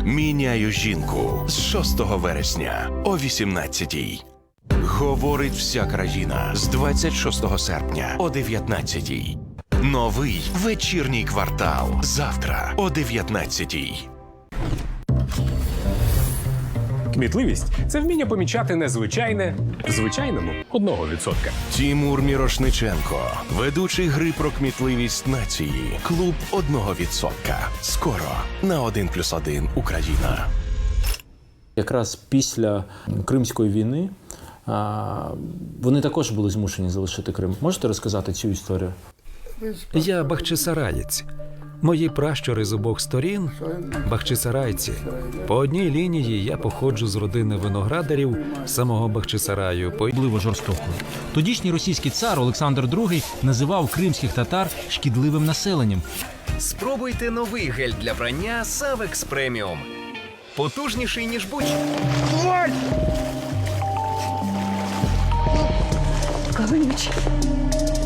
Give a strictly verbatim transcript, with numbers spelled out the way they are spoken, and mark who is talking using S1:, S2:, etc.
S1: Міняю жінку з шостого вересня о вісімнадцятій. Говорить вся країна з двадцять шостого серпня о дев'ятнадцятій. Новий вечірній квартал завтра о дев'ятнадцятій.
S2: Кмітливість – це вміння помічати незвичайне в звичайному одного відсотка.
S1: Тімур Мірошниченко, ведучий гри про кмітливість нації. Клуб одного відсотка. Скоро на один плюс один Україна.
S3: Якраз після Кримської війни а, вони також були змушені залишити Крим. Можете розказати цю історію?
S4: Я бахчисараєць. Мої пращури з обох сторін – бахчисарайці. По одній лінії я походжу з родини виноградарів самого Бахчисараю. По
S5: Особливо жорстокою. Тодішній російський цар Олександр Другий називав кримських татар шкідливим населенням.
S6: Спробуйте новий гель для прання Савекс Преміум. Потужніший, ніж будь-що.
S7: Колючий.